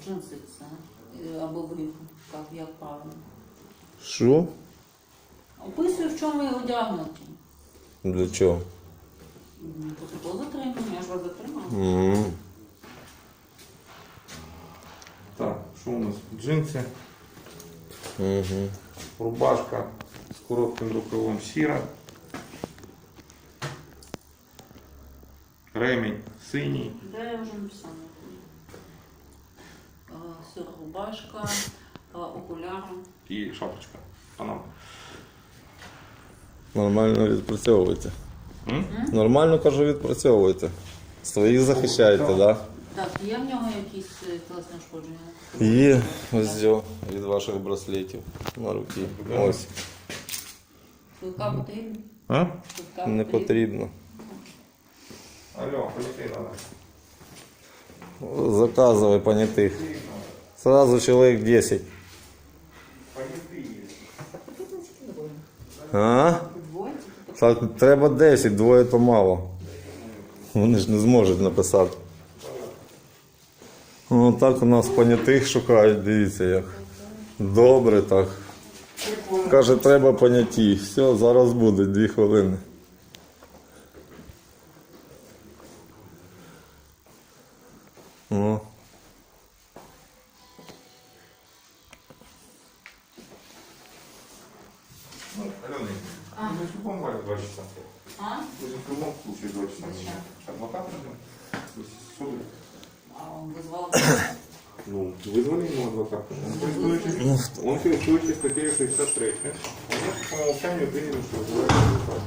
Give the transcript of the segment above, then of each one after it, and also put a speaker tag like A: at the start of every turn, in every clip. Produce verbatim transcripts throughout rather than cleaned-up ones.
A: джинси це або брюки. Як, як правильно?
B: Що?
A: Описую, в чому ви одягнуті.
B: Для чого?
A: Протокол затримання, я ж вас затримала.
B: Mm.
C: Так, що у нас? Джинси,
B: Угу.
C: рубашка з коротким рукавом сіра, ремінь синій.
A: Да, я вже написала. Сіра рубашка, окуляри.
C: І шапочка. Панамка.
B: Нормально відпрацьовуєте.
C: М?
B: Нормально, кажу, відпрацьовуєте. Своїх захищаєте, так? Да?
A: Так, є в нього якісь тілесні ушкодження?
B: Є ось цього від ваших браслетів на руці. Ось.
A: Швидка потрібна?
C: А?
A: Швидка
B: Не потрібно.
C: Алло, полетей надо.
B: Заказывай понятых. Сразу человек десять. А?
A: Двоє?
B: Так, треба десять, двоє то мало. Вони ж не зможуть написати. О, так у нас понятих шукають, дивіться як. Добре так. Каже, треба поняті. Все, зараз буде, дві хвилини. О.
C: Ну, Алена,
A: А.
C: мы в любом варе два часа.
A: А?
C: Мы же в любом случае два часа.
A: Зачем?
C: Адвокат нужен? То есть суды.
A: А он визвав.
C: Ну, вызвали ему адвоката. Он користуючись, он користуючись статтею шістдесят три. Он по умолчанию принял, что вызывает адвоката.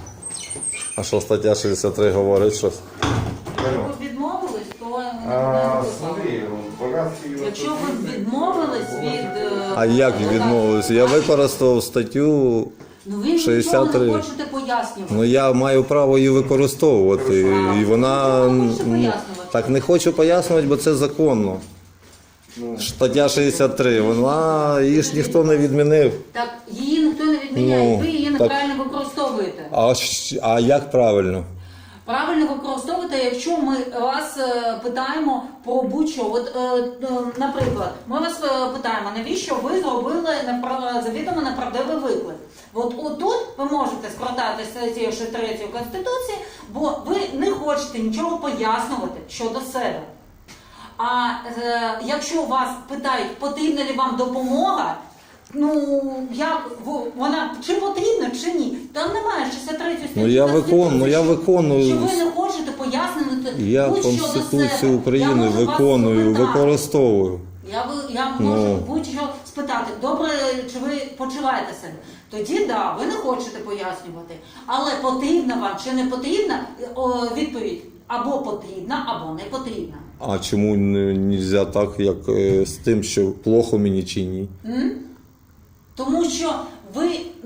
B: А що стаття шістдесят три говорить щось?
C: Алло.
A: Ви відмовились, то не
C: А,
A: визвав.
C: смотри, богатство его...
A: Якщо ви відмовились від... е,
B: А як
A: адвоката,
B: відмовився? Я використав статтю,
A: Ну ви нічого
B: шістдесят три.
A: не хочете пояснювати.
B: ну я маю право її використовувати. І вона
A: Ви не хочете
B: м,
A: пояснювати?
B: так не хочу пояснювати, бо це законно. Стаття шістдесят три, вона її ж ніхто не відмінив.
A: Так, її ніхто не відміняє,
B: Ну,
A: ви її
B: так.
A: неправильно використовуєте.
B: А, щ- а як правильно?
A: Правильно використовуєте, якщо ми вас е, питаємо про будь-що. От, е, е, наприклад, ми вас е, питаємо, навіщо ви зробили непра- завідомо неправдивий виклик. От отут ви можете складати статтю шістдесят три Конституції, бо ви не хочете нічого пояснювати щодо себе. А е, якщо вас питають, потрібна ли вам допомога, ну як в- вона чи потрібна, чи ні, там немає шістдесят третьої статті.
B: Ну, я
A: Конституції,
B: виконую, ну, я
A: що-
B: виконую.
A: Що ви не хочете пояснювати
B: Я
A: будь-що до
B: Конституцію
A: себе.
B: України
A: Я можу вас
B: виконую,
A: спитати.
B: використовую.
A: Я, ви- я можу
B: Ну.
A: будь-що спитати, добре, чи ви почуваєте себе? Тоді да, ви не хочете пояснювати. Але потрібна вам чи не потрібна, о, відповідь або потрібна, або не потрібна.
B: А чому не можна так, як е, з тим, що плохо мені чи ні?
A: М? Тому що ви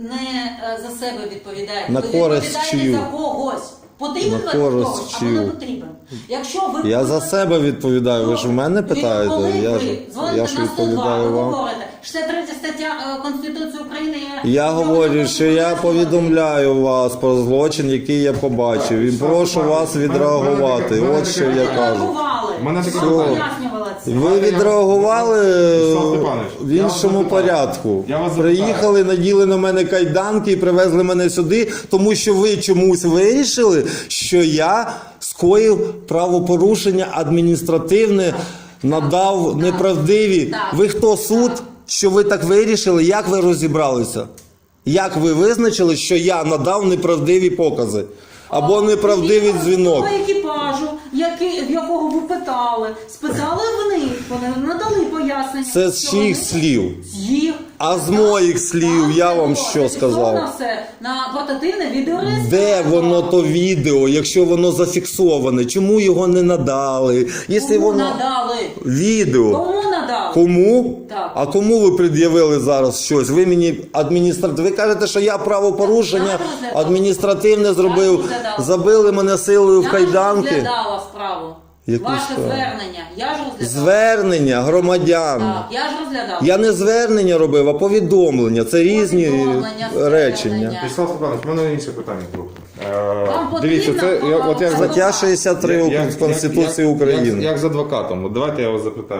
A: не е, за себе відповідаєте,
B: На
A: ви
B: користь
A: відповідаєте
B: чию?
A: за когось. Потрібен
B: На
A: ви
B: користь
A: хтось, або не
B: чию?
A: потрібен. Якщо ви
B: Я за себе відповідаю, ви ж в мене питаєте,
A: Коли
B: я
A: ви
B: ж,
A: дзвоните
B: я ж
A: на сто два,
B: відповідаю
A: ви
B: вам.
A: говорите, шістдесят третя стаття е, Конституції України. Я,
B: Я говорю, що я повідомляю вас про злочин, який я побачив, і прошу вас відреагувати. От що я кажу.
C: Мене таке
B: Все.
A: Пояснювала це.
B: Ви відреагували
C: Руслан Степанович,
B: в
C: я вас
B: іншому
C: запитаю.
B: порядку.
C: Я вас запитаю.
B: Приїхали, наділи на мене кайданки і привезли мене сюди, тому що ви чомусь вирішили, що я скоїв правопорушення адміністративне, надав
A: Так.
B: неправдиві.
A: Так.
B: Ви хто, суд, що ви так вирішили? Як ви розібралися? Як ви визначили, що я надав неправдиві покази? Або неправдивий дзвінок?
A: Того екіпажу, який, в якого ви питали, спитали в них, вони надали пояснення.
B: Це з
A: що
B: чиїх
A: вони-
B: слів?
A: З їх.
B: А з моїх слів
A: Там
B: я
A: це
B: вам
A: було
B: що
A: зафіксовано
B: сказав?
A: все на портативне відеореєстратор.
B: Де воно то відео, якщо воно зафіксоване? Чому його не надали? Якщо
A: Кому
B: воно
A: надали?
B: відео.
A: Кому надали?
B: Кому?
A: Так.
B: А кому ви пред'явили зараз щось? Ви мені адміністративне. Ви кажете, що я правопорушення
A: Я розглядала.
B: адміністративне зробив.
A: розглядала.
B: Забили мене силою в
A: Я ж
B: кайданки.
A: розглядала справу.
B: Яку
A: Ваше
B: справу?
A: звернення. Я ж розглядала.
B: Звернення громадян.
A: Так, я ж розглядала.
B: Я не звернення робив, а повідомлення. Це різні
A: Повідомлення,
B: речення.
A: звернення.
C: Вячеслав Степанович, в мене інше питання трохи.
A: Вам
C: Е, Дивіться, це
A: потрібно
C: я- от як за-
B: Стаття шістдесят три
C: як-
B: Конституції
C: як-
B: України.
C: Як, як з адвокатом. От давайте я вас запитаю.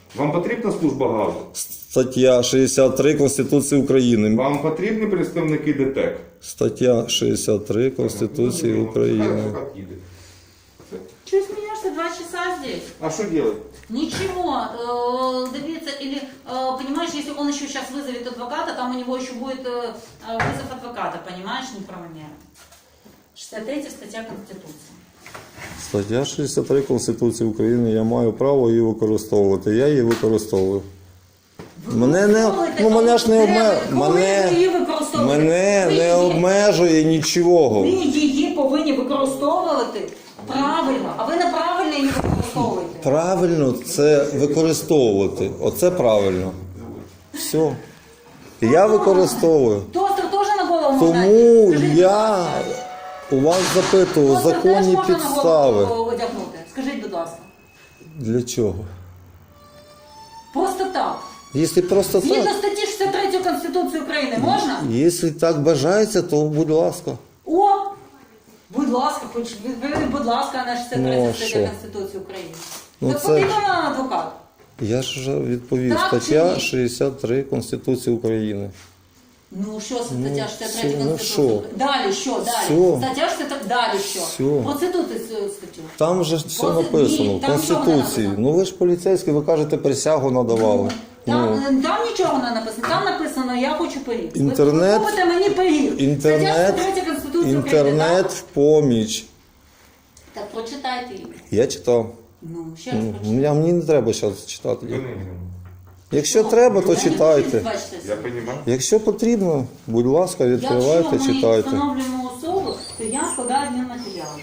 C: Вам потрібна служба газу?
B: Стаття шістдесят три Конституції України.
C: Вам потрібні представники ДТЕК?
B: Стаття шістдесят три Конституції України.
C: Хай адвокат їде.
A: Чего смеешься два часа здесь?
C: А що робити?
A: Ничего, э, добиться, или, э, понимаешь, если он еще сейчас вызовет адвоката, там у него еще будет э, э, вызов адвоката, понимаешь, неправомерно. шестьдесят третья статья Конституции.
B: Стаття шістдесят три Конституції України. Я маю право її використовувати. Я її використовую. Мене не, ну, мене ж не обме... мене, мене не обмежує нічого.
A: Ви її повинні використовувати правильно, а ви неправильно її використовуєте.
B: Правильно це використовувати. Оце правильно. Все. Я використовую.
A: Тостер теж на голову можна?
B: Тому
A: Скажіть,
B: я у вас запитував
A: тостер теж
B: законні
A: можна на
B: підстави.
A: голову одягнути? Скажіть, будь ласка.
B: Для чого?
A: Просто так.
B: Якщо просто
A: Згідно
B: так,
A: статті шістдесят третьої Конституції України можна?
B: якщо так бажається, то будь ласка.
A: О! Будь ласка, хоч відповіли, будь ласка, на шістдесят
B: Ну,
A: третя
B: а
A: стаття
B: що?
A: Конституції України.
B: Ну,
A: Так
B: це-
A: потрібен нам адвокат.
B: Я ж вже відповів.
A: Так чи
B: Стаття
A: ні?
B: шістдесят три Конституції України.
A: Ну що, стаття шістдесят третя
B: все, ну,
A: Конституції
B: що?
A: України? Далі що? Далі.
B: Все.
A: Стаття шістдесят три, далі що?
B: Все.
A: Процитуйте цю статтю.
B: Там же все
A: Ось,
B: написано
A: ні,
B: в
A: там нічого не
B: Конституції.
A: написано.
B: Ну ви ж поліцейський, ви кажете, присягу надавали.
A: Там,
B: Ну,
A: там нічого не написано. Там написано, я хочу пиріг.
B: Інтернет-
A: Ви купите мені пиріг.
B: інтернет,
A: Стаття шістдесят третя Конституції України.
B: інтернет в поміч.
A: Так? Так прочитайте її.
B: Я читав.
A: Ну, ще раз
B: Ну,
A: прочитайте.
B: я, мені не треба зараз читати.
C: Ви не-
B: Якщо треба, то читайте.
C: Я розумію.
B: Якщо потрібно, будь ласка,
A: Якщо
B: відкривайте,
A: ми
B: читайте.
A: встановлюємо особу, то я складаю адмінматеріали.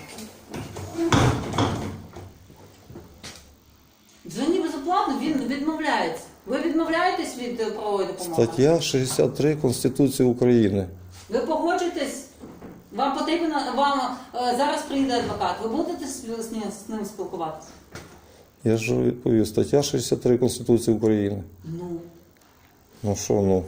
A: Дзвоні безоплатно, він відмовляється. Ви відмовляєтесь від е, правової допомоги?
B: Стаття шістдесят три Конституції України.
A: Ви погоджуєтесь? Вам потрібно, вам е, зараз прийде адвокат. Ви будете з, з, ним, з ним спілкуватися?
B: Я ж відповів. Стаття шістдесят три Конституції України.
A: Ну.
B: Ну що, ну?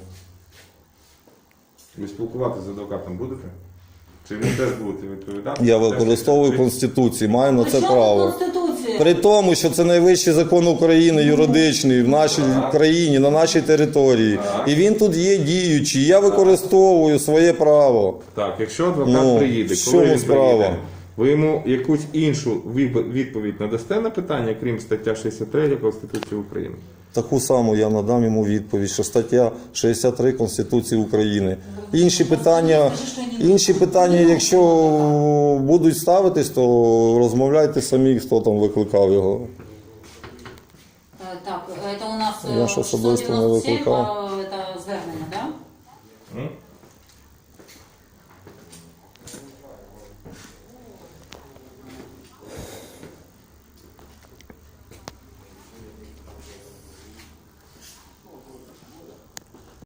C: Ви спілкуватися з адвокатом будете? Чи ви теж будете відповідати?
B: Я використовую Конституцію, маю на
A: При
B: це
A: чому
B: право.
A: Конституція?
B: При тому, що це найвищий закон України, юридичний, в нашій країні, на нашій території. І він тут є діючий. Я використовую своє право.
C: Так, якщо адвокат
B: Ну,
C: приїде,
B: в
C: коли
B: чому
C: він
B: справа?
C: приїде, ви йому якусь іншу віп- відповідь надасте на питання, крім стаття шістдесят три Конституції України?
B: Таку саму я надам йому відповідь, що стаття шістдесят три Конституції України. Інші питання, інші питання, якщо будуть ставитись, то розмовляйте самі, хто там викликав його.
A: Е, Так, це у нас
B: Я ж особисто не
A: сто дев'яносто сім,
B: викликав.
A: е, це звернення, так? Да?
C: М?